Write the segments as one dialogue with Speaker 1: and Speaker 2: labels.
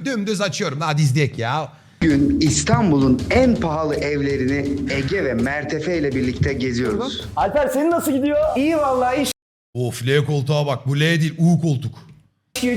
Speaker 1: Dümdüz açıyorum. Hadi izleyek ya.
Speaker 2: Bugün İstanbul'un en pahalı evlerini Ege ve Mertefe ile birlikte geziyoruz.
Speaker 3: Alper senin nasıl gidiyor?
Speaker 2: İyi vallahi iş
Speaker 1: Of, L koltuğa bak. Bu L değil, U koltuk.
Speaker 2: güç.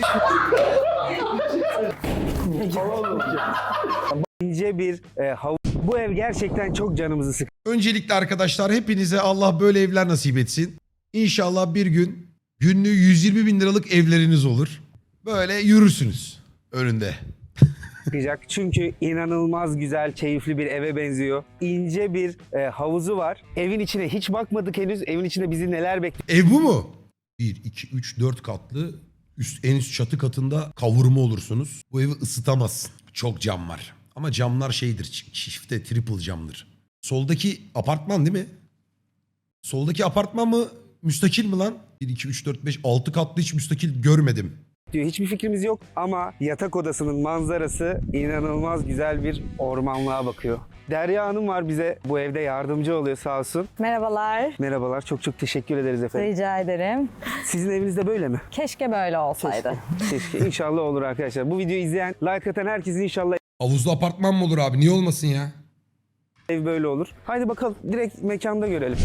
Speaker 3: İnce bir havuz. Bu ev gerçekten çok canımızı sıkıyor.
Speaker 1: Öncelikle arkadaşlar hepinize Allah böyle evler nasip etsin. İnşallah bir gün günlüğü 120 bin liralık evleriniz olur. Böyle yürürsünüz önünde.
Speaker 3: Çünkü inanılmaz güzel, keyifli bir eve benziyor. İnce bir havuzu var. Evin içine hiç bakmadık henüz. Evin içinde bizi neler bekliyor?
Speaker 1: Ev bu mu? 1, 2, 3, 4 katlı. En üst çatı katında kavurma olursunuz. Bu evi ısıtamazsın. Çok cam var. Ama camlar şeydir, çifte, triple camdır. Soldaki apartman değil mi? Soldaki apartman mı? Müstakil mi lan? 1, 2, 3, 4, 5, 6 katlı hiç müstakil görmedim.
Speaker 3: Hiçbir fikrimiz yok ama yatak odasının manzarası inanılmaz güzel bir ormanlığa bakıyor. Derya Hanım var, bize bu evde yardımcı oluyor sağ olsun.
Speaker 4: Merhabalar.
Speaker 3: Merhabalar, çok teşekkür ederiz efendim.
Speaker 4: Rica ederim.
Speaker 3: Sizin evinizde böyle mi?
Speaker 4: Keşke böyle olsaydı.
Speaker 3: Keşke. İnşallah olur arkadaşlar. Bu videoyu izleyen, like atan herkesin inşallah
Speaker 1: Havuzlu apartman mı olur abi? Niye olmasın ya?
Speaker 3: ev böyle olur. Haydi bakalım direkt mekanda görelim.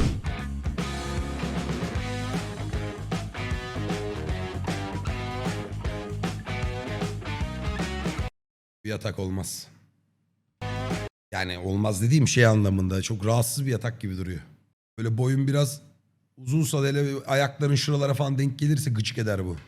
Speaker 1: Bir yatak olmaz. Yani olmaz dediğim şey anlamında. Çok rahatsız bir yatak gibi duruyor. Böyle boyun biraz uzunsa da hele ayakların şuralara falan denk gelirse gıcık eder bu.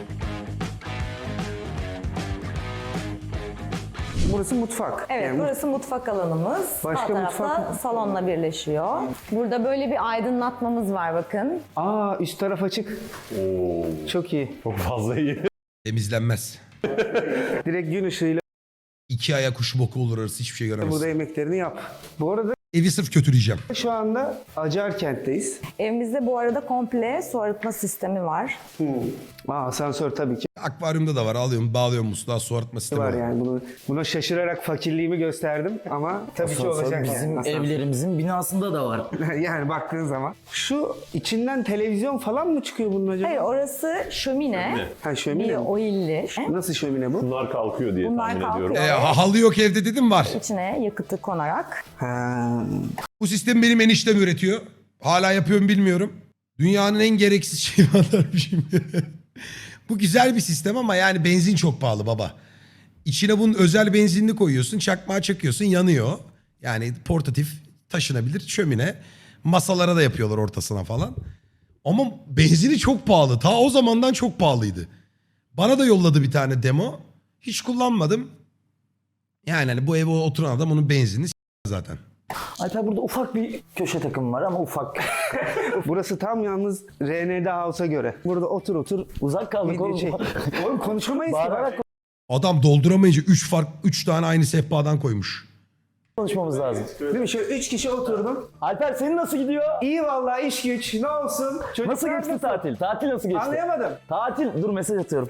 Speaker 3: Burası mutfak.
Speaker 4: Evet,
Speaker 3: Yani
Speaker 4: burası mutfak alanımız.
Speaker 3: Başka
Speaker 4: Sağ tarafta
Speaker 3: mutfak mı?
Speaker 4: salonla birleşiyor. Burada böyle bir aydınlatmamız var bakın.
Speaker 3: Aa, üst taraf açık. Çok iyi.
Speaker 1: Temizlenmez.
Speaker 3: Direkt gün ışığıyla
Speaker 1: 2 aya kuş boku olur arası hiçbir şey göremez.
Speaker 3: burada yemeklerini yap. Bu arada
Speaker 1: Evi sırf kötüleyeceğim.
Speaker 3: şu anda Acarkent'teyiz.
Speaker 4: Evimizde bu arada komple su arıtma sistemi var.
Speaker 3: Asansör tabii ki
Speaker 1: Akvaryumda da var. Alıyorum, bağlıyorum musluğa, su arıtma sistemi
Speaker 3: var
Speaker 1: var.
Speaker 3: yani. Buna şaşırarak fakirliğimi gösterdim ama tabii ki olacak
Speaker 5: Bizim
Speaker 3: yani.
Speaker 5: evlerimizin binasında da var.
Speaker 3: Yani baktığın zaman. Şu içinden televizyon falan mı çıkıyor bunun acaba?
Speaker 4: Hayır, orası şömine.
Speaker 3: Ha, şömine
Speaker 4: Bir
Speaker 3: mi?
Speaker 4: oilli.
Speaker 3: Nasıl şömine bu?
Speaker 6: Bunlar kalkıyor diye
Speaker 4: Bunlar
Speaker 6: tahmin
Speaker 4: kalkıyor.
Speaker 6: ediyorum.
Speaker 1: Halı yok evde dedim var.
Speaker 4: İçine yakıtı konarak.
Speaker 3: Ha.
Speaker 1: Bu sistemi benim eniştem üretiyor. Hala yapıyorum bilmiyorum. Dünyanın en gereksiz şeyi anlatmışım. Bu güzel bir sistem ama yani benzin çok pahalı baba. İçine bunun özel benzinini koyuyorsun, çakmağa çakıyorsun, yanıyor. Yani portatif, taşınabilir şömine. Masalara da yapıyorlar ortasına falan. Ama benzini çok pahalı. Ta o zamandan çok pahalıydı. Bana da yolladı bir tane demo. Hiç kullanmadım. Yani hani bu eve oturan adam onun benzinini zaten.
Speaker 5: Alper burada ufak bir köşe takım var ama ufak.
Speaker 3: Burası tam yalnız RND House'a göre. Burada otur.
Speaker 5: Uzak kaldık
Speaker 3: Video
Speaker 5: oğlum.
Speaker 3: çek. Oğlum konuşamayız ki.
Speaker 5: Bağırarak
Speaker 1: Adam dolduramayınca 3 tane aynı sehpadan koymuş.
Speaker 5: konuşmamız lazım.
Speaker 3: Değil mi? Şöyle 3 kişi oturdum.
Speaker 5: Alper senin nasıl gidiyor?
Speaker 3: İyi vallahi iş güç. Ne olsun? Çocuklar
Speaker 5: Nasıl geçti tatil? Tatil nasıl geçti?
Speaker 3: Anlayamadım.
Speaker 5: Tatil. Dur mesaj atıyorum.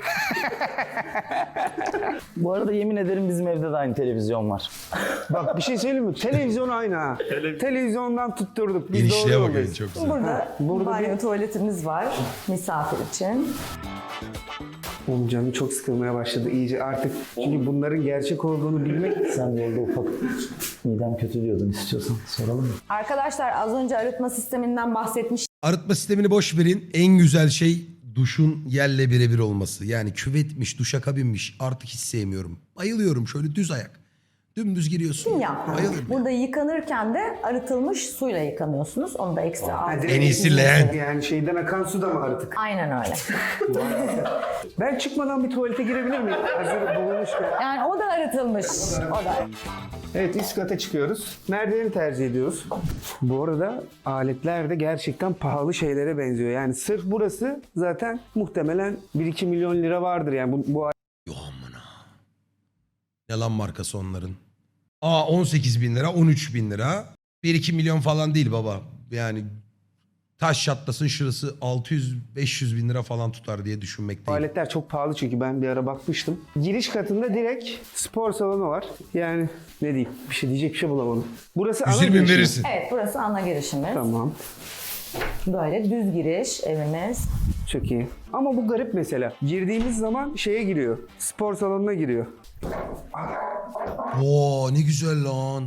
Speaker 5: Bu arada yemin ederim bizim evde de aynı televizyon var.
Speaker 3: Bak bir şey söyleyeyim mi? Televizyon aynı ha. Televizyondan tutturduk. Biz
Speaker 1: Genişliğe
Speaker 3: doğru
Speaker 1: bakın
Speaker 3: yoldayız.
Speaker 1: çok güzel.
Speaker 4: Burada banyo tuvaletimiz var misafir için.
Speaker 3: Oğlum canım çok sıkılmaya başladı iyice artık. Çünkü bunların gerçek olduğunu bilmek...
Speaker 5: Sen yolda ufak midem kötü diyordun, istiyorsan soralım mı?
Speaker 4: Arkadaşlar az önce arıtma sisteminden bahsetmiştim.
Speaker 1: Arıtma sistemini boş verin. En güzel şey duşun yerle birebir olması. Yani küvetmiş, duşakabinmiş. Artık hiç sevmiyorum. Bayılıyorum şöyle düz ayak. Dümdüz giriyorsun.
Speaker 4: Yapma.
Speaker 1: Bayılıyorum.
Speaker 4: Burada yıkanırken de arıtılmış suyla yıkanıyorsunuz. Onu da ekstra
Speaker 3: Ha,
Speaker 4: aldım.
Speaker 3: direkt
Speaker 1: En iyisi leğen.
Speaker 3: Yani şeyden akan su da mı artık?
Speaker 4: Aynen öyle.
Speaker 3: Ben çıkmadan bir tuvalete girebilir miyim? Hazır bulunmuşken.
Speaker 4: Yani o da arıtılmış. O da.
Speaker 3: Evet, üst kata çıkıyoruz. Merdiveni tercih ediyoruz. Bu arada aletler de gerçekten pahalı şeylere benziyor. Yani sırf burası zaten muhtemelen 1-2 milyon lira vardır yani bu
Speaker 1: Yo amına. Ne lan markası onların? 18 bin lira, 13 bin lira. 1-2 milyon falan değil baba. Yani taş çatlasın şurası 600-500 bin lira falan tutar diye düşünmekteyim.
Speaker 3: aletler çok pahalı çünkü ben bir ara bakmıştım. Giriş katında direkt spor salonu var. Yani ne diyeyim? Diyecek bir şey bulamadım. Burası ana
Speaker 1: 120 bin
Speaker 3: giriş mi?
Speaker 1: verirsin.
Speaker 4: Evet, burası ana girişimiz.
Speaker 3: Tamam.
Speaker 4: Böyle düz giriş evimiz.
Speaker 3: Çok iyi. Ama bu garip mesela. Girdiğimiz zaman şeye giriyor. Spor salonuna giriyor.
Speaker 1: Oo ne güzel lan.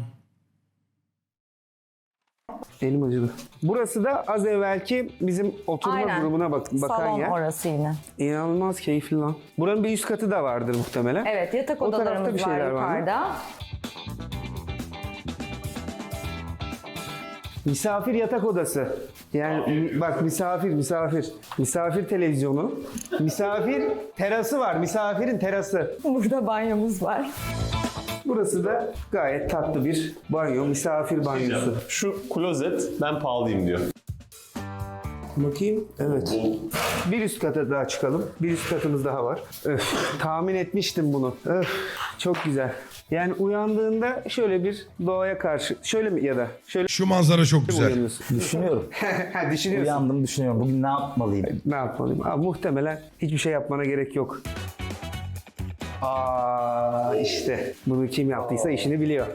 Speaker 3: Elim acıdı. Burası da az evvelki bizim oturma
Speaker 4: Aynen.
Speaker 3: grubuna bakan
Speaker 4: Salon
Speaker 3: yer.
Speaker 4: orası yine.
Speaker 3: İnanılmaz keyifli lan. Buranın bir üst katı da vardır muhtemelen.
Speaker 4: Evet, yatak
Speaker 3: O tarafta
Speaker 4: odalarımız
Speaker 3: bir
Speaker 4: var
Speaker 3: şeyler var mı?
Speaker 4: yukarıda.
Speaker 3: Misafir yatak odası. Yani bak misafir. Misafir televizyonu. Misafir terası var. Misafirin terası.
Speaker 4: Burada banyomuz var.
Speaker 3: Burası da gayet tatlı bir banyo. Misafir banyosu.
Speaker 6: Şu klozet ben pahalıyım diyor.
Speaker 3: Bakayım. Evet. Bir üst kata daha çıkalım. Bir üst katımız daha var. Öf, tahmin etmiştim bunu. Öf, çok güzel. Yani uyandığında şöyle bir doğaya karşı, şöyle mi ya da şöyle
Speaker 1: Şu manzara çok
Speaker 3: mi
Speaker 1: güzel.
Speaker 3: uyanıyorsun?
Speaker 5: Düşünüyorum.
Speaker 3: Ha, düşünüyorsun.
Speaker 5: Uyandım düşünüyorum. Bugün ne yapmalıyım?
Speaker 3: Ne yapmalıyım? Abi, muhtemelen hiçbir şey yapmana gerek yok. Aa işte bunu kim yaptıysa işini biliyor.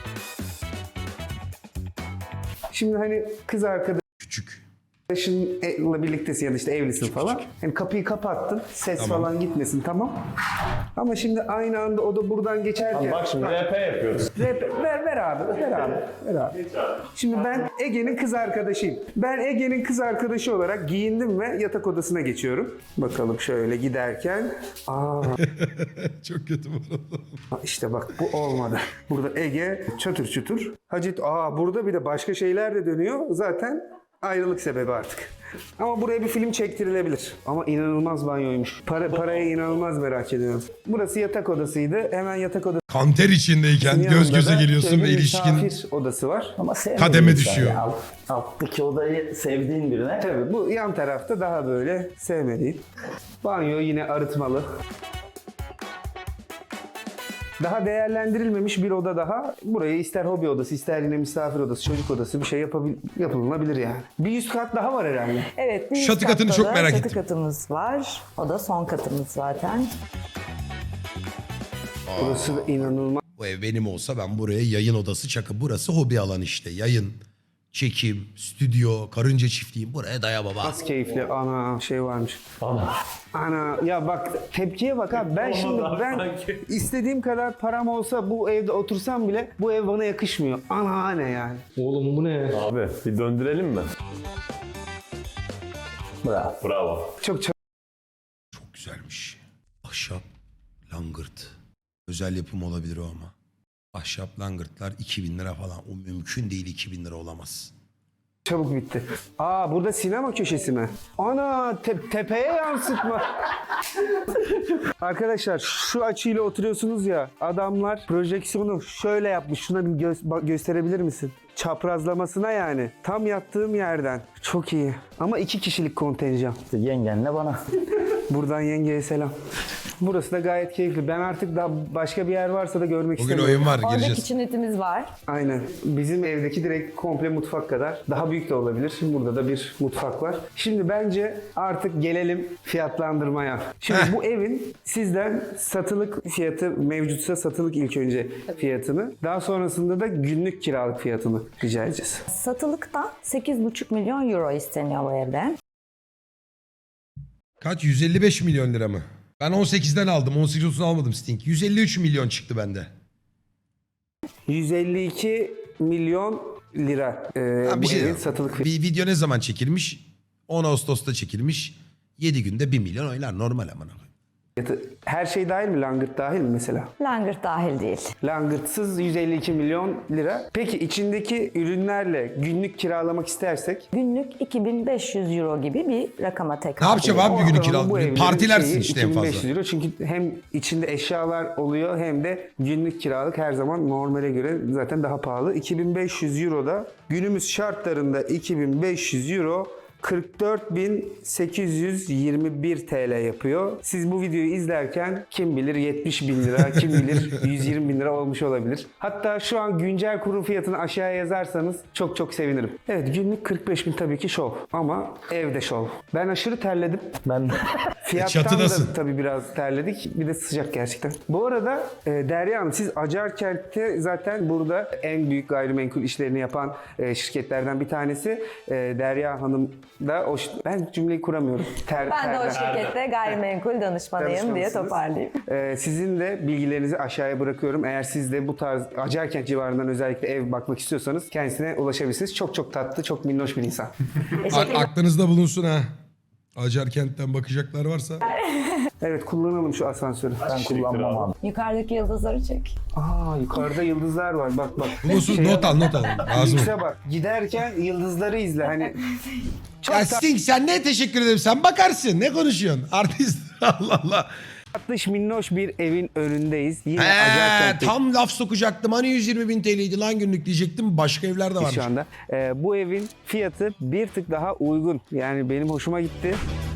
Speaker 3: Şimdi hani kız
Speaker 1: Küçük.
Speaker 3: arkadaşınla birliktesin ya da işte evlisin falan. Hani kapıyı kapattın, ses
Speaker 1: Tamam.
Speaker 3: falan gitmesin, tamam. Ama şimdi aynı anda o da buradan geçerken...
Speaker 6: Bak şimdi RP yapıyoruz.
Speaker 3: Ver abi. Şimdi ben Ege'nin kız arkadaşıyım. Ben Ege'nin kız arkadaşı olarak giyindim ve yatak odasına geçiyorum. Bakalım şöyle giderken.
Speaker 1: Çok kötü bu arada.
Speaker 3: İşte bak bu olmadı. Burada Ege çatır çutur. Hacet burada bir de başka şeyler de dönüyor. Zaten ayrılık sebebi artık. Ama buraya bir film çektirilebilir. Ama inanılmaz banyoymuş. Paraya inanılmaz merak ediyorum. Burası yatak odasıydı. Hemen yatak odası.
Speaker 1: Kanter içindeyken göz
Speaker 3: yanında
Speaker 1: göze
Speaker 3: da
Speaker 1: geliyorsun
Speaker 3: şöyle
Speaker 1: ve
Speaker 3: bir
Speaker 1: ilişkin
Speaker 3: misafir odası var.
Speaker 5: Ama sevmediğin
Speaker 1: kademe
Speaker 5: insan
Speaker 1: düşüyor.
Speaker 5: ya. Alttaki odayı sevdiğin birine.
Speaker 3: Tabii bu yan tarafta daha böyle sevmediğim. Banyo yine arıtmalı. Daha değerlendirilmemiş bir oda daha. Burayı ister hobi odası, ister yine misafir odası, çocuk odası bir şey yapılabilir yani. Bir üst kat daha var herhalde.
Speaker 4: Evet, bir
Speaker 1: Çatı
Speaker 4: üst
Speaker 1: katını
Speaker 4: katta
Speaker 1: çok
Speaker 4: da
Speaker 1: merak
Speaker 4: çatı
Speaker 1: ettim.
Speaker 4: katımız var. O da son katımız zaten.
Speaker 3: Burası da inanılmaz
Speaker 1: Bu ev benim olsa ben buraya yayın odası çakı. Burası hobi alanı işte. Yayın, çekim, stüdyo, karınca çiftliği. Buraya daya baba.
Speaker 3: keyifli. Ana şey varmış. Ana ya bak tepkiye bak abi. Ben istediğim kadar param olsa bu evde otursam bile bu ev bana yakışmıyor. Ana ne yani.
Speaker 6: Oğlum bu ne? Abi bir döndürelim mi?
Speaker 5: Bravo.
Speaker 6: Bravo.
Speaker 3: Çok
Speaker 1: Çok güzelmiş. Ahşap, langırt. Özel yapım olabilir o ama. Ahşap langırtlar 2000 lira falan. O mümkün değil, 2000 lira olamaz.
Speaker 3: çabuk bitti. Burada sinema köşesi mi? Ana tepeye yansıtma. Arkadaşlar şu açıyla oturuyorsunuz ya, adamlar projeksiyonu şöyle yapmış. Şuna bir gösterebilir misin? Çaprazlamasına yani. Tam yattığım yerden. Çok iyi. Ama 2 kişilik kontenjan.
Speaker 5: İşte yengenle bana.
Speaker 3: Buradan yengeye selam. Burası da gayet keyifli. Ben artık daha başka bir yer varsa da görmek
Speaker 1: Bugün
Speaker 3: istemiyorum.
Speaker 1: oyun var,
Speaker 4: Orada
Speaker 1: gireceğiz.
Speaker 4: kitchenet'imiz var.
Speaker 3: Aynen. Bizim evdeki direkt komple mutfak kadar. Daha büyük de olabilir. Burada da bir mutfak var. Şimdi bence artık gelelim fiyatlandırmaya. Şimdi bu evin sizden satılık fiyatı mevcutsa satılık ilk önce fiyatını. Daha sonrasında da günlük kiralık fiyatını rica edeceğiz.
Speaker 4: Satılıkta 8,5 milyon euro isteniyor bu evde.
Speaker 1: Kaç? 155 milyon lira mı? Ben 18'den aldım. 18-30'dan almadım Sting. 153 milyon çıktı bende.
Speaker 3: 152 milyon lira
Speaker 1: Ha,
Speaker 3: bu evin satılık fiyatı.
Speaker 1: Bir video ne zaman çekilmiş? 10 Ağustos'ta çekilmiş. 7 günde 1 milyon oynar. Normal aman abi.
Speaker 3: Her şey dahil mi? Langırt dahil mi mesela?
Speaker 4: Langırt dahil değil.
Speaker 3: Langırtsız 152 milyon lira. Peki içindeki ürünlerle günlük kiralamak istersek?
Speaker 4: Günlük 2500 euro gibi bir rakama tekabül
Speaker 1: Ne yapacağım abi bir günü
Speaker 3: Ortalama bu
Speaker 1: kiralık?
Speaker 3: evlerin
Speaker 1: Partilersin
Speaker 3: şeyi
Speaker 1: işte en fazla.
Speaker 3: 2500 euro çünkü hem içinde eşyalar oluyor hem de günlük kiralık her zaman normale göre zaten daha pahalı. 2500 euro da günümüz şartlarında 2500 euro 44.821 TL yapıyor. Siz bu videoyu izlerken kim bilir 70 bin lira, kim bilir 120 bin lira olmuş olabilir. Hatta şu an güncel kurun fiyatını aşağıya yazarsanız çok çok sevinirim. Evet günlük 45 bin tabii ki şov ama evde şov. Ben aşırı terledim.
Speaker 5: Ben
Speaker 3: Fiyattan
Speaker 1: çatıdasın.
Speaker 3: da tabii biraz terledik. Bir de sıcak gerçekten. Bu arada Derya Hanım siz Acarkent'te zaten burada en büyük gayrimenkul işlerini yapan şirketlerden bir tanesi. Derya Hanım da ben cümleyi kuramıyorum.
Speaker 4: Ben de o şirkette gayrimenkul danışmanıyım diye
Speaker 3: Danışmansınız.
Speaker 4: toparlayayım.
Speaker 3: Sizin de bilgilerinizi aşağıya bırakıyorum. Eğer siz de bu tarz Acarkent civarından özellikle ev bakmak istiyorsanız kendisine ulaşabilirsiniz. Çok çok tatlı, çok minnoş bir insan.
Speaker 1: Aklınızda bulunsun ha. Acarkent'ten bakacaklar varsa.
Speaker 3: Evet, kullanalım şu asansörü.
Speaker 5: Ben kullanmam abi.
Speaker 4: Yukarıdaki yıldızları çek.
Speaker 3: Aa, yukarıda yıldızlar var. Bak bak.
Speaker 1: Bulunsun, not al. Lazım.
Speaker 3: Lükse bak. Giderken yıldızları izle. Hani
Speaker 1: Ya Sting sen ne teşekkür ederim. Sen bakarsın. Ne konuşuyorsun? Artist. Allah Allah.
Speaker 3: tatlış minnoş bir evin önündeyiz. Yine Acarkent'te
Speaker 1: Tam laf sokacaktım. Hani 120.000 TL'ydi lan günlük diyecektim. Başka evler de varmış.
Speaker 3: şu anda. Bu evin fiyatı bir tık daha uygun. Yani benim hoşuma gitti.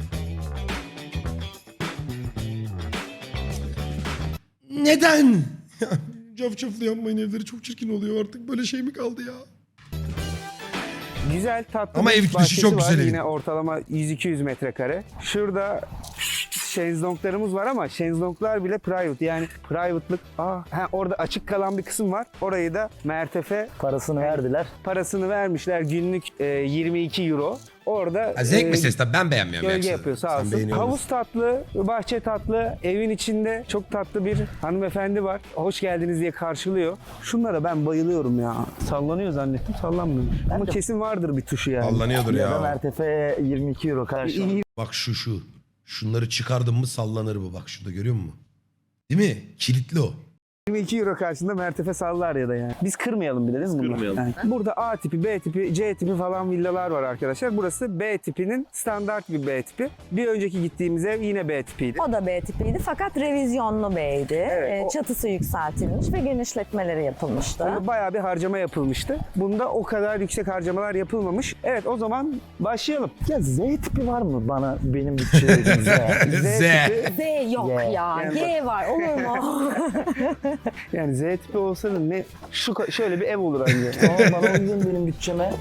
Speaker 1: Neden? Cafcaflı yapmayın, evleri çok çirkin oluyor artık. Böyle şey mi kaldı ya?
Speaker 3: Güzel, tatlı
Speaker 1: Ama
Speaker 3: bir
Speaker 1: ev dışı
Speaker 3: bahçesi
Speaker 1: çok
Speaker 3: var.
Speaker 1: güzel evin.
Speaker 3: Yine ortalama 100-200 metrekare. Şurada şezlonglarımız var ama şezlonglar bile private. Yani private'lık. Orada açık kalan bir kısım var. Orayı da Mertefe
Speaker 5: Parasını verdiler.
Speaker 3: parasını vermişler. Günlük 22 euro. Orada
Speaker 1: Ha, zevk meselesi tabii, ben beğenmiyorum.
Speaker 3: gölge
Speaker 1: yoksa.
Speaker 3: yapıyor, sağ
Speaker 1: Sen
Speaker 3: olsun.
Speaker 1: beğeniyor musun?
Speaker 3: Havuz tatlı, bahçe tatlı. Evin içinde çok tatlı bir hanımefendi var. Hoş geldiniz diye karşılıyor. Şunlara ben bayılıyorum ya. Sallanıyor zannettim, sallanmıyor. Ama kesin vardır bir tuşu yani.
Speaker 1: Sallanıyordur
Speaker 5: Ya da
Speaker 1: ya.
Speaker 5: Mertefe 22 euro karşı.
Speaker 1: Bak şu. Şunları çıkardım mı sallanır bu. Bak şurada görüyor musun? Değil mi? Kilitli o.
Speaker 3: 22 euro karşısında Mertefe sallar ya da yani. Biz kırmayalım bir de değil mi bunu?
Speaker 6: Kırmayalım.
Speaker 3: Yani burada A tipi, B tipi, C tipi falan villalar var arkadaşlar. Burası B tipinin standart bir B tipi. Bir önceki gittiğimiz ev yine B tipiydi.
Speaker 4: O da B tipiydi fakat revizyonlu B'ydi.
Speaker 3: Evet,
Speaker 4: Çatısı yükseltilmiş ve genişletmeleri yapılmıştı.
Speaker 3: Bunda bayağı bir harcama yapılmıştı. Bunda o kadar yüksek harcamalar yapılmamış. Evet, o zaman başlayalım.
Speaker 5: Ya Z tipi var mı bana benim bütçelerim Z?
Speaker 1: Z.
Speaker 3: tipi,
Speaker 4: Z yok
Speaker 5: Y.
Speaker 4: ya.
Speaker 3: Yani
Speaker 4: G var olur mu?
Speaker 3: yani Z tipi olsa da ne şöyle bir ev olur anne.
Speaker 5: Ama bana uygun benim bütçeme.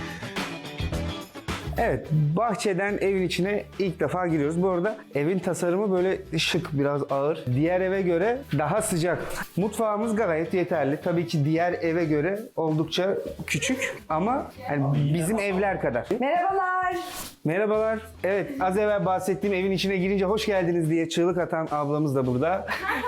Speaker 3: Evet, bahçeden evin içine ilk defa giriyoruz. Bu arada evin tasarımı böyle şık, biraz ağır. Diğer eve göre daha sıcak. Mutfağımız gayet yeterli. Tabii ki diğer eve göre oldukça küçük ama yani bizim evler kadar.
Speaker 4: Merhabalar.
Speaker 3: Merhabalar. Evet, az evvel bahsettiğim evin içine girince hoş geldiniz diye çığlık atan ablamız da burada.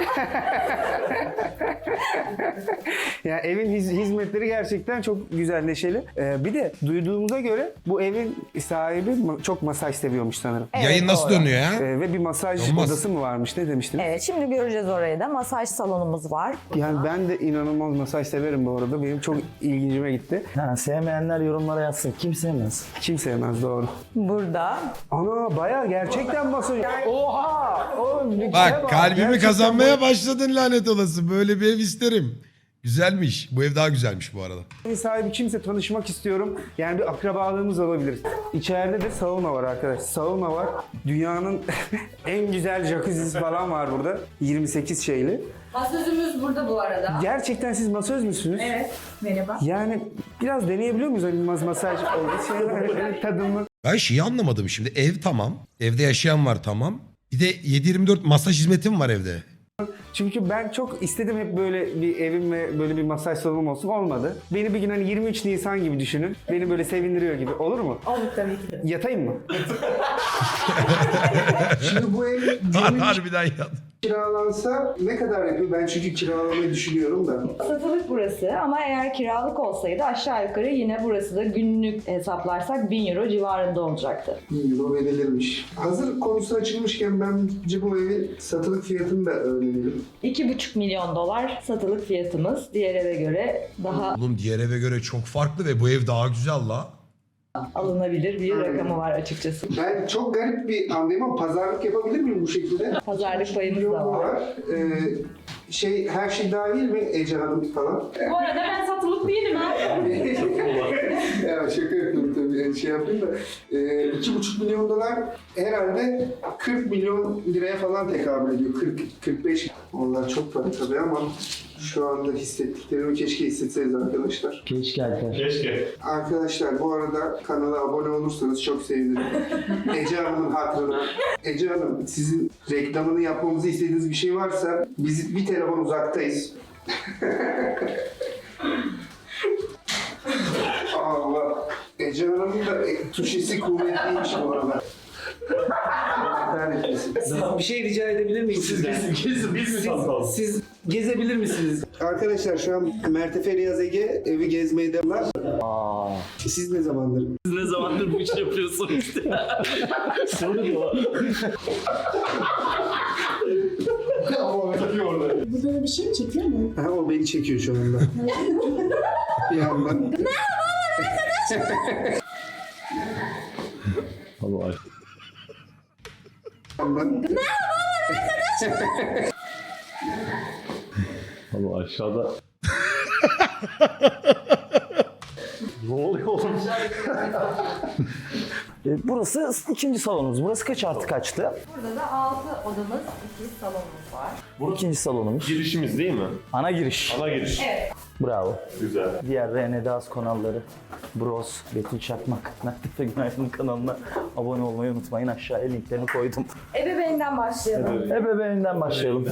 Speaker 3: Yani evin hizmetleri gerçekten çok güzel, neşeli. Bir de duyduğumuza göre bu evin sahibi çok masaj seviyormuş sanırım.
Speaker 4: Evet,
Speaker 1: Yayın nasıl
Speaker 4: doğru.
Speaker 1: dönüyor ya?
Speaker 3: Ve bir masaj
Speaker 1: Olmaz.
Speaker 3: odası mı varmış? Ne demiştiniz?
Speaker 4: Evet, şimdi göreceğiz orayı da. Masaj salonumuz var.
Speaker 3: Yani ben de inanılmaz masaj severim bu arada. Benim çok ilgincime gitti.
Speaker 5: Ha, sevmeyenler yorumlara yazsın. Kim sevmez?
Speaker 3: Kim sevmez, doğru.
Speaker 4: Burada.
Speaker 3: Ana bayağı gerçekten masaj. Oha! Oğlum, bir şeye
Speaker 1: Bak kalbimi
Speaker 3: Gerçekten
Speaker 1: kazanmaya başladın lanet olası. Böyle bir ev isterim. Güzelmiş. Bu ev daha güzelmiş bu arada.
Speaker 3: bu evin sahibi kimse, tanışmak istiyorum. Yani bir akrabalığımız olabilir. İçeride de sauna var arkadaş. Sauna var. Dünyanın en güzel jacuzzisi falan var burada. 28 şeyli.
Speaker 7: Masözümüz burada bu arada.
Speaker 3: Gerçekten siz masöz müsünüz?
Speaker 7: Evet, merhaba.
Speaker 3: Yani biraz deneyebiliyor muyuz? Hani masaj oldu. Tadımı.
Speaker 1: Ben şeyi anlamadım şimdi. Ev tamam. Evde yaşayan var tamam. Bir de 7/24 masaj hizmetim var evde.
Speaker 3: Çünkü ben çok istedim hep böyle bir evim ve böyle bir masaj salonum olsun. Olmadı. Beni bir gün hani 23 Nisan gibi düşünün. Beni böyle sevindiriyor gibi. Olur mu?
Speaker 7: Olur tabii ki de.
Speaker 3: Yatayım mı? Şimdi bu ev
Speaker 1: Harbiden ya.
Speaker 3: kiralansa ne kadar yapıyor? Ben çünkü kiralamayı düşünüyorum da.
Speaker 7: Satılık burası ama eğer kiralık olsaydı aşağı yukarı yine burası da günlük hesaplarsak 1000 euro civarında olacaktı.
Speaker 3: 1000 euro verilirmiş. Hazır konusu açılmışken bence bu evin satılık fiyatını da öğrenelim.
Speaker 7: 2,5 milyon dolar satılık fiyatımız. Diğer eve göre daha
Speaker 1: Oğlum diğer eve göre çok farklı ve bu ev daha güzel la.
Speaker 7: alınabilir bir rakamı var açıkçası.
Speaker 3: Ben çok garip bir andayım ama pazarlık yapabilir miyim bu şekilde?
Speaker 7: Pazarlık payımız da var.
Speaker 3: Her şey dahil mi Ece Hanım falan?
Speaker 7: Bu arada ben satılık değilim ha.
Speaker 3: Ya şaka yapıyorum tabii, şey yapayım da 2,5 milyon dolar herhalde 40 milyon liraya falan tekabül ediyor. 40-45. Onlar çok para tabii ama şu anda hissettiklerimi keşke hissetseniz arkadaşlar.
Speaker 5: Keşke Alper.
Speaker 6: Keşke.
Speaker 3: Arkadaşlar bu arada kanala abone olursanız çok sevinirim. Ece Hanım'ın hatırına. Ece Hanım, sizin reklamını yapmamızı istediğiniz bir şey varsa biz bir telefon uzaktayız. Allah. Ece Hanım'ın da Suşisi kuvvetliymiş bu arada. Bir şey rica edebilir miyim sizden?
Speaker 6: Biz mi tanıtalım?
Speaker 3: Siz gezebilir misiniz? Arkadaşlar şu an Mertefe Riyaz Ege evi gezmeye devam. Siz ne zamandır?
Speaker 5: Ne zamandır bu işi yapıyorsun işte. Soru diyor.
Speaker 8: Burada da bir şey mi çekiyor mu?
Speaker 3: Ha, o beni çekiyor şu anda. Bir yandan.
Speaker 6: Allah Allah aşağıda. Ne oluyor oğlum?
Speaker 5: Burası ikinci salonumuz. Burası kaç artı kaçtı?
Speaker 7: Burada da 6 odamız, 2 salonumuz var.
Speaker 5: İkinci salonumuz.
Speaker 6: Girişimiz değil mi?
Speaker 5: Ana giriş.
Speaker 6: Ana giriş.
Speaker 5: Bravo.
Speaker 6: Güzel.
Speaker 5: Diğer Rene Daz kanalları, Bros, Betül Çakmak, Mertefe Günaydın kanalına abone olmayı unutmayın. Aşağıya linklerini koydum.
Speaker 7: Ebeveynden başlayalım.
Speaker 5: Ebeveyninden başlayalım.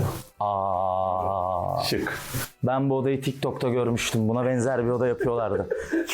Speaker 6: Şık.
Speaker 5: Ben bu odayı TikTok'ta görmüştüm. Buna benzer bir oda yapıyorlardı.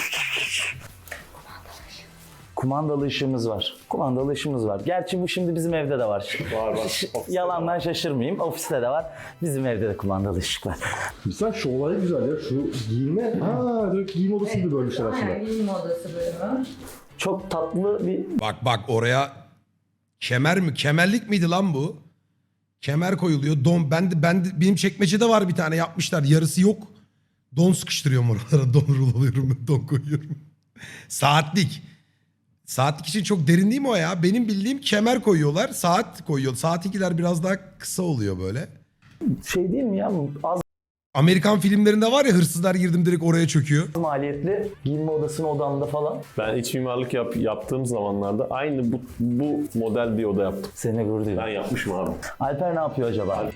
Speaker 5: Kumandalı ışığımız var. Kumandalı ışığımız var. Gerçi bu şimdi bizim evde de var.
Speaker 6: Var.
Speaker 5: Yalandan şaşırmayayım. Ofiste de var. Bizim evde de kumandalı ışık var.
Speaker 9: Güzel, şu olay güzel ya. Şu giyinme, direkt giyim odası gibi bölmüşler aslında.
Speaker 7: Aynen, giyinme odası bölümü.
Speaker 5: Çok tatlı bir
Speaker 1: Bak oraya kemer mi? Kemerlik miydi lan bu? Kemer koyuluyor. Don benim çekmecede var bir tane yapmışlar. Yarısı yok. Don sıkıştırıyorum oralara. Don ruloluyorum. Don koyuyorum. Saatlik. Saatlik için çok derin değil mi o ya? Benim bildiğim kemer koyuyorlar. Saat koyuyor. Saatlikler biraz daha kısa oluyor böyle.
Speaker 5: şey değil mi ya? Az
Speaker 1: Amerikan filmlerinde var ya, hırsızlar girdim direkt oraya çöküyor.
Speaker 5: maliyetli giyinme odasının odamda falan.
Speaker 6: Ben iç mimarlık yaptığım zamanlarda aynı bu model bir oda yaptım.
Speaker 5: Seninle gurur duyuyorum.
Speaker 6: Ben yapmışım abi.
Speaker 5: Alper ne yapıyor acaba?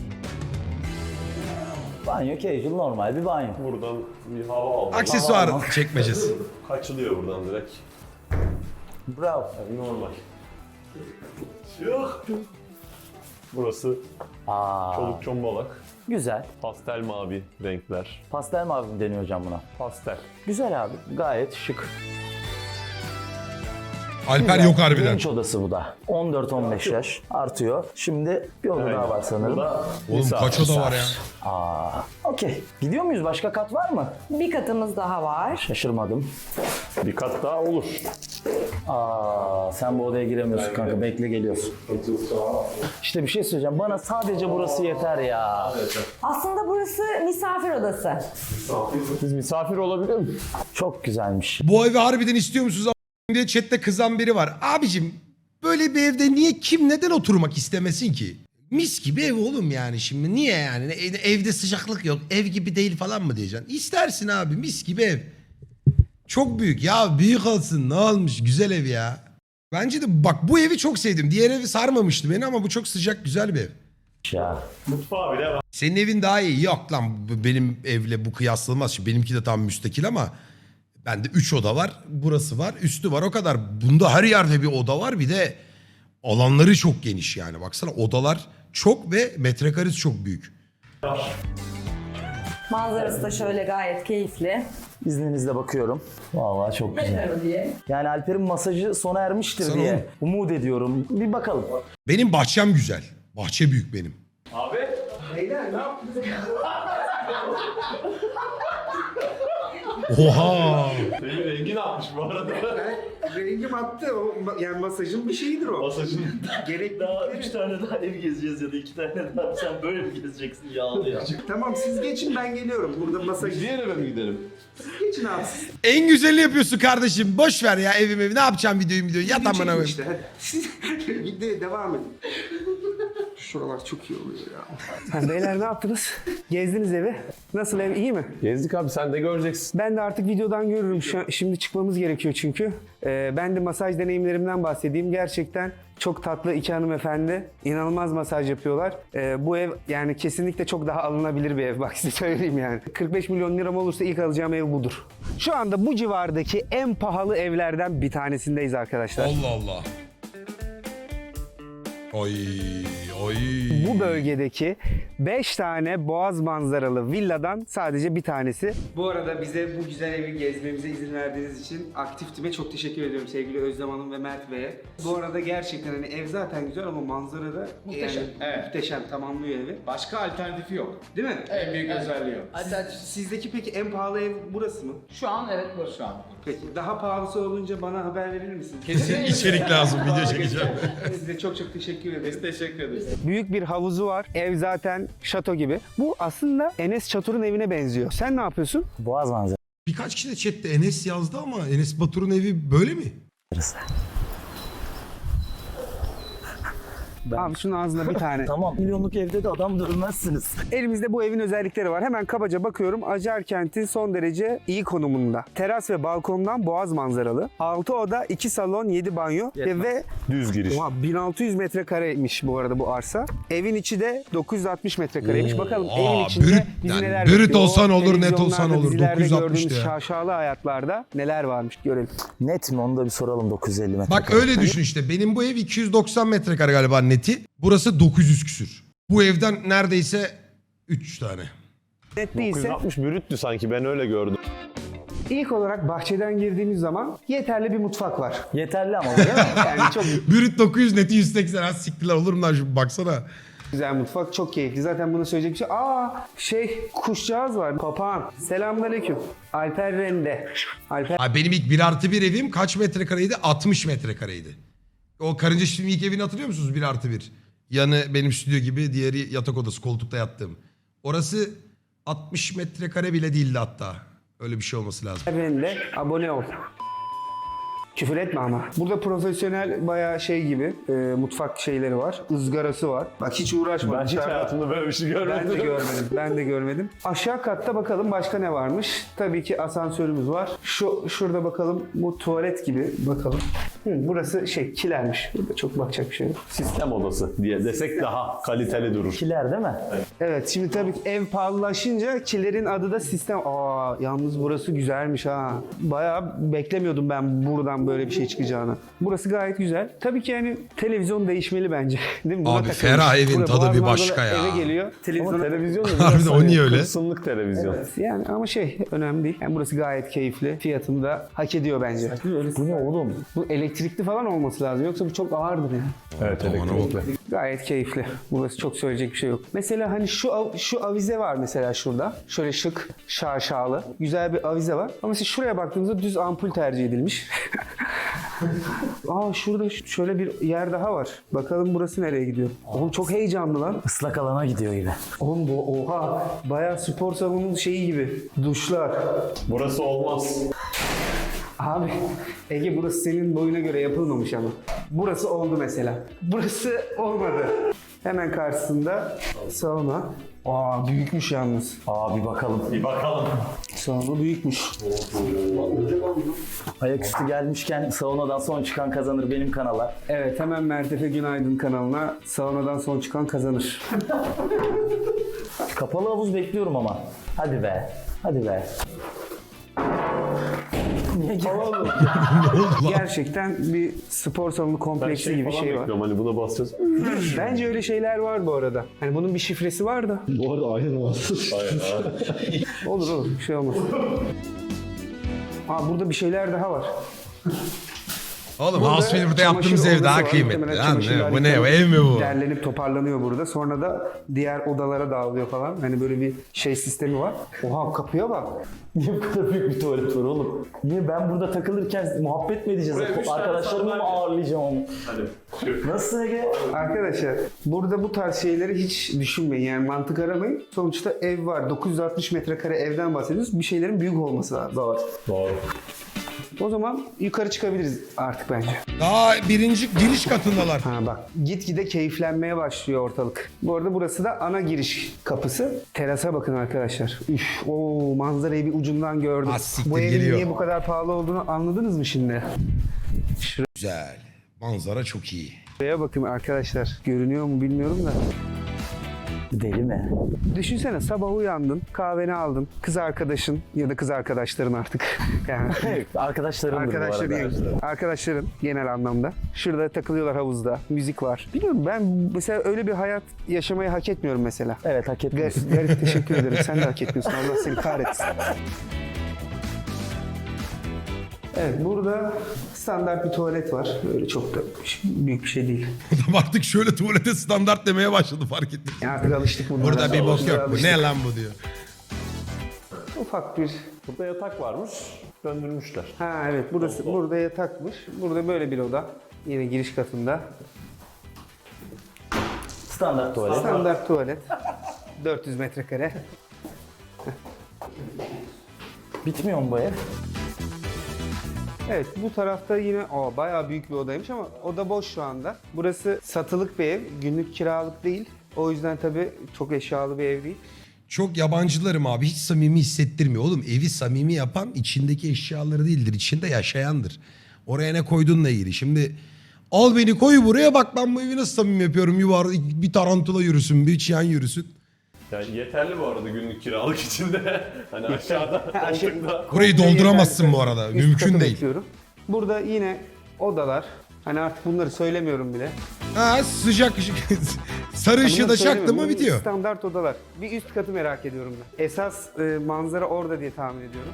Speaker 5: Banyo casual, normal bir banyo.
Speaker 6: Buradan bir hava aldım.
Speaker 1: Aksesuar çekmecesi.
Speaker 6: Kaçılıyor buradan direkt.
Speaker 5: Bravo.
Speaker 6: Yani normal. Yok. Burası çoluk çombalak.
Speaker 5: Güzel.
Speaker 6: Pastel mavi renkler.
Speaker 5: Pastel mavi mi deniyor hocam buna?
Speaker 6: Pastel.
Speaker 5: Güzel abi. Gayet şık.
Speaker 1: Alper
Speaker 5: Güzel.
Speaker 1: yok harbiden.
Speaker 5: Genç odası bu da. 14-15 yaş artıyor. Şimdi bir oda daha var sanırım.
Speaker 6: Bu da
Speaker 1: Oğlum
Speaker 6: misafir.
Speaker 1: kaç oda var ya?
Speaker 5: Okey. Gidiyor muyuz? Başka kat var mı?
Speaker 7: Bir katımız daha var.
Speaker 5: Şaşırmadım.
Speaker 6: Bir kat daha olur.
Speaker 5: Sen bu odaya giremiyorsun kanka. Bekle, geliyorsun. İşte bir şey söyleyeceğim. Bana sadece burası yeter ya.
Speaker 7: Aslında burası misafir odası.
Speaker 6: Biz misafir olabilir mi?
Speaker 5: Çok güzelmiş.
Speaker 1: Bu evi harbiden istiyor musunuz diye chatte kızan biri var. Abicim böyle bir evde neden oturmak istemesin ki? Mis gibi ev oğlum yani şimdi. Niye yani? Evde sıcaklık yok. Ev gibi değil falan mı diyeceksin? İstersin abi, mis gibi ev. Çok büyük. Ya büyük olsun, ne olmuş? Güzel ev ya. Bence de bak bu evi çok sevdim. Diğer evi sarmamıştı beni ama bu çok sıcak, güzel bir ev.
Speaker 5: Ya.
Speaker 6: Mutfağı bile var.
Speaker 1: Senin evin daha iyi. Yok lan, benim evle bu kıyaslanmaz. Şimdi benimki de tam müstakil ama bende 3 oda var. Burası var, üstü var, o kadar. Bunda her yerde bir oda var. Bir de alanları çok geniş yani. Baksana, odalar çok ve metrekaresi çok büyük.
Speaker 7: Manzarası da şöyle gayet keyifli.
Speaker 5: İzninizle bakıyorum. Vallahi çok güzel.
Speaker 7: Diye.
Speaker 5: Yani Alper'in masajı sona ermiştir
Speaker 1: Sana
Speaker 5: diye
Speaker 1: oğlum.
Speaker 5: umut ediyorum. Bir bakalım.
Speaker 1: Benim bahçem güzel. Bahçe büyük benim.
Speaker 6: Abi.
Speaker 3: Beyler ne yaptınız?
Speaker 1: Oha!
Speaker 6: Senin rengi ne yapmış bu arada?
Speaker 3: Rengim attı. Yani masajın bir şeyidir o.
Speaker 6: Masajın.
Speaker 3: Gerek
Speaker 5: Daha 3 tane daha ev gezeceğiz ya da 2 tane daha. Sen böyle mi gezeceksin yağlı ya?
Speaker 3: Tamam siz geçin, ben geliyorum. Burada masaj.
Speaker 6: Diğer eve mi gidelim?
Speaker 3: Geçin abi.
Speaker 1: En güzelini yapıyorsun kardeşim. Boş ver ya evim. Ne yapacağım videoyu. Yat amına
Speaker 3: Çekin
Speaker 1: koyayım.
Speaker 3: işte hadi. Siz videoya devam edin. Şuralar çok iyi oluyor ya. Beyler ne yaptınız? Gezdiniz evi. Nasıl, ev iyi mi?
Speaker 6: Gezdik abi, sen de göreceksin.
Speaker 3: Ben de artık videodan görürüm. Şimdi çıkmamız gerekiyor çünkü. Ben de masaj deneyimlerimden bahsedeyim. Gerçekten çok tatlı iki hanımefendi. İnanılmaz masaj yapıyorlar. Bu ev yani kesinlikle çok daha alınabilir bir ev. Bak size söyleyeyim yani. 45 milyon liram olursa ilk alacağım ev budur. Şu anda bu civardaki en pahalı evlerden bir tanesindeyiz arkadaşlar.
Speaker 1: Allah Allah. Oy oy.
Speaker 3: Bu bölgedeki 5 tane boğaz manzaralı villadan sadece bir tanesi. Bu arada bize bu güzel evi gezmemize izin verdiğiniz için Aktif Team'e çok teşekkür ediyorum sevgili Özlem Hanım ve Mert Bey'e. Bu arada gerçekten hani ev zaten güzel ama manzara da
Speaker 10: Muhteşem.
Speaker 3: yani
Speaker 10: Evet.
Speaker 3: muhteşem, tamamlıyor evi.
Speaker 10: Başka alternatifi yok.
Speaker 3: Değil mi?
Speaker 10: En büyük özelliği o.
Speaker 3: Sizdeki peki en pahalı ev burası mı?
Speaker 10: Şu an evet bu. Şu an.
Speaker 3: Peki daha pahalısı olunca bana haber verir misiniz?
Speaker 1: Kesin içerik lazım, video çekeceğim.
Speaker 3: Size çok çok teşekkür ederim.
Speaker 10: Biz teşekkür ederiz.
Speaker 3: Büyük bir havuzu var. Ev zaten şato gibi. Bu aslında Enes Çatur'un evine benziyor. Sen ne yapıyorsun?
Speaker 5: Boğaz manzarası.
Speaker 1: Birkaç kişi de chatte Enes yazdı ama Enes Batur'un evi böyle mi?
Speaker 3: Abi şunun ağzına bir tane.
Speaker 5: Tamam. Milyonluk evde de adam dövmezsiniz.
Speaker 3: Elimizde bu evin özellikleri var. Hemen kabaca bakıyorum. Acarkent'in son derece iyi konumunda. Teras ve balkondan boğaz manzaralı. 6 oda, 2 salon, 7 banyo ve
Speaker 6: Düz giriş.
Speaker 3: oha, 1600 metrekareymiş bu arada bu arsa. Evin içi de 960 metrekareymiş. Bakalım
Speaker 1: Aa,
Speaker 3: evin içinde
Speaker 1: brüt,
Speaker 3: bizi
Speaker 1: yani
Speaker 3: neler
Speaker 1: brüt
Speaker 3: bekliyor?
Speaker 1: olsan olur, net
Speaker 3: Televizyonlarda,
Speaker 1: olsan olur.
Speaker 3: dizilerde
Speaker 1: 960
Speaker 3: gördüğümüz
Speaker 1: ya.
Speaker 3: şaşalı hayatlarda neler varmış görelim.
Speaker 5: Net mi? Onu da bir soralım 950 metre.
Speaker 1: Bak öyle düşün işte. Benim bu ev 290 metrekare galiba neti. Burası 900 küsür. Bu evden neredeyse 3 tane.
Speaker 3: Net değilse
Speaker 6: 960 brüttü sanki, ben öyle gördüm.
Speaker 3: ilk olarak bahçeden girdiğimiz zaman yeterli bir mutfak var.
Speaker 5: Yeterli ama değil mi?
Speaker 3: Yani çok
Speaker 1: Brüt 900 neti 180. Az siktiler olur mu lan şu baksana.
Speaker 3: güzel mutfak, çok keyifli. Zaten bunu söyleyecek bir şey. Kuşcağız var. Papağan. Selamünaleyküm. Alper Rende. Alper
Speaker 1: Abi benim ilk 1+1 evim kaç metrekareydi? 60 metrekareydi. O Karınca Çiftliği'nin ilk evini hatırlıyor musunuz? 1+1. Yanı benim stüdyo gibi, diğeri yatak odası, koltukta yattığım. Orası 60 metrekare bile değildi hatta. Öyle bir şey olması lazım.
Speaker 3: Rende. Abone ol. Küfür etme ama. Burada profesyonel bayağı şey gibi mutfak şeyleri var. Izgarası var. Bak hiç uğraşma.
Speaker 6: Ben hiç
Speaker 3: Dışarıda-
Speaker 6: hayatımda böyle bir şey
Speaker 3: Ben de
Speaker 6: görmedim.
Speaker 3: görmedim. Ben de görmedim. Aşağı katta bakalım başka ne varmış. Tabii ki asansörümüz var. Şurada bakalım bu tuvalet gibi bakalım. Burası kilermiş. Burada çok bakacak bir şey yok.
Speaker 6: Sistem odası diye desek daha kaliteli durur.
Speaker 5: Kiler değil mi?
Speaker 3: Evet şimdi tabii ki ev pahalılaşınca kilerin adı da sistem. Yalnız burası güzelmiş ha. Bayağı beklemiyordum ben buradan böyle bir şey çıkacağını. Burası gayet güzel. Tabii ki yani televizyon değişmeli bence. Değil mi? Buna
Speaker 1: Abi
Speaker 3: takılmış.
Speaker 1: ferah evin
Speaker 3: Burada
Speaker 1: tadı
Speaker 3: boğaz
Speaker 1: bir
Speaker 3: manzaralı
Speaker 1: başka ya.
Speaker 3: Eve geliyor.
Speaker 6: Ama
Speaker 3: Televizyona
Speaker 6: televizyon da
Speaker 1: Harbiden
Speaker 6: biraz
Speaker 1: o niye öyle?
Speaker 6: kırsınlık televizyon.
Speaker 3: yani ama önemli değil. Yani burası gayet keyifli. Fiyatını da hak ediyor bence.
Speaker 5: Bu ne oğlum?
Speaker 3: Bu elektrikli falan olması lazım. Yoksa bu çok ağırdır yani.
Speaker 6: Evet, elektrikli.
Speaker 3: Gayet keyifli. Burası çok söyleyecek bir şey yok. Mesela hani şu avize var mesela şurada. Şöyle şık, şaşalı. Güzel bir avize var. Ama mesela şuraya baktığımızda düz ampul tercih edilmiş. Şurada şöyle bir yer daha var. Bakalım burası nereye gidiyor? Oğlum çok heyecanlı lan.
Speaker 5: Islak alana gidiyor gibi.
Speaker 3: Oğlum oha. Bayağı spor salonunun şeyi gibi. Duşlar.
Speaker 6: Burası olmaz.
Speaker 3: Abi Ege burası senin boyuna göre yapılmamış ama. Burası oldu mesela. Burası olmadı. Hemen karşısında sauna. Büyükmüş yalnız.
Speaker 5: Bir bakalım.
Speaker 6: Bir bakalım.
Speaker 3: Sauna büyükmüş.
Speaker 5: Ayaküstü gelmişken saunadan son çıkan kazanır benim kanala.
Speaker 3: Evet hemen Mertefe Günaydın kanalına saunadan son çıkan kazanır.
Speaker 5: Kapalı havuz bekliyorum ama. Hadi be. Hadi be.
Speaker 3: Gerçekten bir spor salonu
Speaker 6: Ben
Speaker 3: kompleksi gibi
Speaker 6: falan
Speaker 3: şey var.
Speaker 6: bekliyorum, hani buna basacağız.
Speaker 3: Bence öyle şeyler var bu arada. Hani bunun bir şifresi var da.
Speaker 9: Bu arada aynen var.
Speaker 3: Olur bir şey olmaz. Burada bir şeyler daha var.
Speaker 1: Oğlum
Speaker 3: Burada
Speaker 1: House Flipper'da
Speaker 3: çamaşır
Speaker 1: yaptığımız ev
Speaker 3: odası
Speaker 1: daha
Speaker 3: var.
Speaker 1: kıymetli.
Speaker 3: Muhtemelen
Speaker 1: Lan
Speaker 3: çamaşırlar
Speaker 1: bu ne?
Speaker 3: yıkanıp
Speaker 1: Ev mi bu?
Speaker 3: Derlenip toparlanıyor burada. Sonra da diğer odalara dağılıyor falan. Hani böyle bir sistemi var. Oha kapıya bak.
Speaker 5: Niye bu kadar büyük bir tuvalet var oğlum? Niye ben burada takılırken muhabbet mi edeceğiz? Arkadaşlarımı mı ağırlayacağım onu? Nasıl Ege?
Speaker 3: Arkadaşlar burada bu tarz şeyleri hiç düşünmeyin. Yani mantık aramayın. Sonuçta ev var. 960 metrekare evden bahsediyoruz. Bir şeylerin büyük olması lazım.
Speaker 6: Doğru.
Speaker 3: O zaman yukarı çıkabiliriz artık bence.
Speaker 1: Daha birinci giriş katındalar.
Speaker 3: Bak gitgide keyiflenmeye başlıyor ortalık. Bu arada burası da ana giriş kapısı. Terasa bakın arkadaşlar. Manzarayı bir ucundan gördüm.
Speaker 1: Siktir,
Speaker 3: Bu evin
Speaker 1: geliyor.
Speaker 3: niye bu kadar pahalı olduğunu anladınız mı şimdi?
Speaker 1: Güzel. Manzara çok iyi.
Speaker 3: Şuraya bakın arkadaşlar. Görünüyor mu bilmiyorum da.
Speaker 5: Deli mi?
Speaker 3: Düşünsene sabah uyandın, kahveni aldın, kız arkadaşın ya da kız arkadaşların artık. Yani
Speaker 5: Arkadaşlarımdır bu arada.
Speaker 3: arkadaşların genel anlamda. Şurada takılıyorlar havuzda, müzik var. Biliyorum ben mesela öyle bir hayat yaşamayı hak etmiyorum mesela.
Speaker 5: Evet, hak etmiyorsun.
Speaker 3: Garip teşekkür ederim. Sen de hak etmiyorsun. Allah seni kahretsin. Evet, burada standart bir tuvalet var. Öyle çok da büyük bir şey değil.
Speaker 1: Adam artık şöyle tuvalete standart demeye başladı, fark ettim.
Speaker 3: Yani artık alıştık bunlara.
Speaker 1: Burada bir bok yok. Bu
Speaker 3: Alıştık.
Speaker 1: ne lan bu diyor.
Speaker 3: Ufak bir...
Speaker 6: Burada yatak varmış. Döndürmüşler.
Speaker 3: Ha evet, burası burada yatakmış. Burada böyle bir oda. Yine giriş katında.
Speaker 5: Standart tuvalet.
Speaker 3: Standart tuvalet. 400 metrekare.
Speaker 5: Bitmiyor mu bu ev?
Speaker 3: Evet, bu tarafta yine bayağı büyük bir odaymış ama oda boş şu anda. Burası satılık bir ev, günlük kiralık değil. O yüzden tabii çok eşyalı bir ev değil.
Speaker 1: Çok yabancılarım abi, hiç samimi hissettirmiyor. Oğlum evi samimi yapan içindeki eşyaları değildir, içinde yaşayandır. Oraya ne koyduğunla ilgili. Şimdi al beni koy buraya, bak ben bu evi nasıl samimi yapıyorum. Bir tarantula yürüsün, bir çiyan yürüsün.
Speaker 6: Yani yeterli bu arada günlük kiralık içinde. Hani aşağıda koltukta.
Speaker 1: Burayı dolduramazsın bu arada,
Speaker 3: Üst
Speaker 1: mümkün
Speaker 3: katı
Speaker 1: değil.
Speaker 3: bekliyorum. Burada yine odalar. Hani artık bunları söylemiyorum bile.
Speaker 1: Ha, sıcak ışık. Sarı ışığı
Speaker 3: Bunları
Speaker 1: da çaktı
Speaker 3: söylemiyorum.
Speaker 1: mı
Speaker 3: Bunlar
Speaker 1: bitiyor.
Speaker 3: Standart odalar. Bir üst katı merak ediyorum ben. Esas manzara orada diye tahmin ediyorum.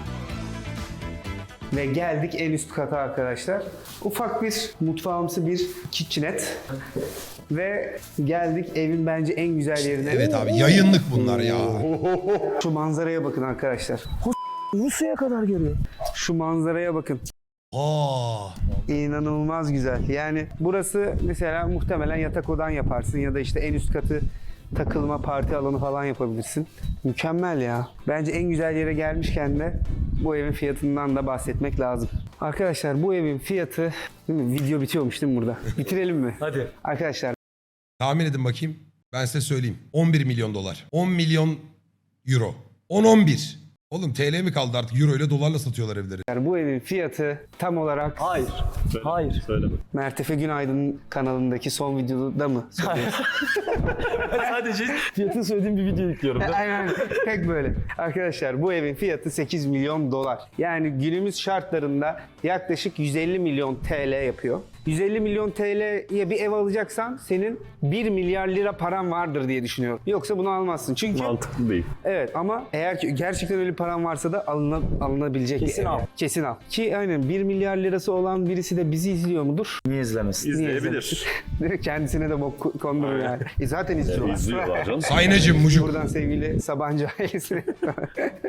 Speaker 3: Ve geldik en üst kata arkadaşlar. Ufak bir mutfağımsı bir kitchenette. Ve geldik evin bence en güzel yerine.
Speaker 1: Evet abi, yayınlık bunlar ya.
Speaker 3: Şu manzaraya bakın arkadaşlar.
Speaker 5: Rusya'ya kadar geliyor.
Speaker 3: Şu manzaraya bakın.
Speaker 1: Aa,
Speaker 3: İnanılmaz güzel. Yani burası mesela muhtemelen yatak odan yaparsın ya da işte en üst katı takılma, parti alanı falan yapabilirsin. Mükemmel ya. Bence en güzel yere gelmişken de bu evin fiyatından da bahsetmek lazım. Arkadaşlar bu evin fiyatı... Değil mi? Video bitiyormuş değil mi burada? Bitirelim mi?
Speaker 5: Hadi.
Speaker 3: Arkadaşlar
Speaker 1: tahmin edin bakayım. Ben size söyleyeyim. 11 milyon dolar. 10 milyon euro. 10-11. Oğlum TL mi kaldı artık? Euro ile dolarla satıyorlar evleri.
Speaker 3: bu evin fiyatı tam olarak
Speaker 5: Hayır. Hayır.
Speaker 6: Söyleme.
Speaker 3: Mertefe Günaydın kanalındaki son videoda mı?
Speaker 5: Sadece fiyatını söylediğim bir video yüklüyorum.
Speaker 3: Aynen, pek böyle. Arkadaşlar bu evin fiyatı 8 milyon dolar. Yani günümüz şartlarında yaklaşık 150 milyon TL yapıyor. 150 milyon TL'ye bir ev alacaksan senin 1 milyar lira paran vardır diye düşünüyorum. Yoksa bunu almazsın. Çünkü
Speaker 6: Mantıklı değil.
Speaker 3: evet, ama eğer ki gerçekten öyle paran varsa da alınabilecek
Speaker 5: Kesin
Speaker 3: bir ev.
Speaker 5: al.
Speaker 3: Kesin al. Ki aynen 1 milyar lirası olan birisi de bizi izliyor mudur?
Speaker 5: Niye izlemesin?
Speaker 3: Niye
Speaker 6: İzleyebilir.
Speaker 3: izlemesin? Kendisine de bok kondurur yani. Zaten izliyorlar.
Speaker 6: İzliyorlar canım.
Speaker 1: Saynacım, mucuk.
Speaker 3: Buradan sevgili Sabancı ailesine.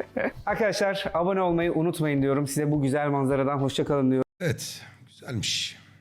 Speaker 3: Arkadaşlar abone olmayı unutmayın diyorum. Size bu güzel manzaradan hoşça kalın diyorum.
Speaker 1: Evet, güzelmiş.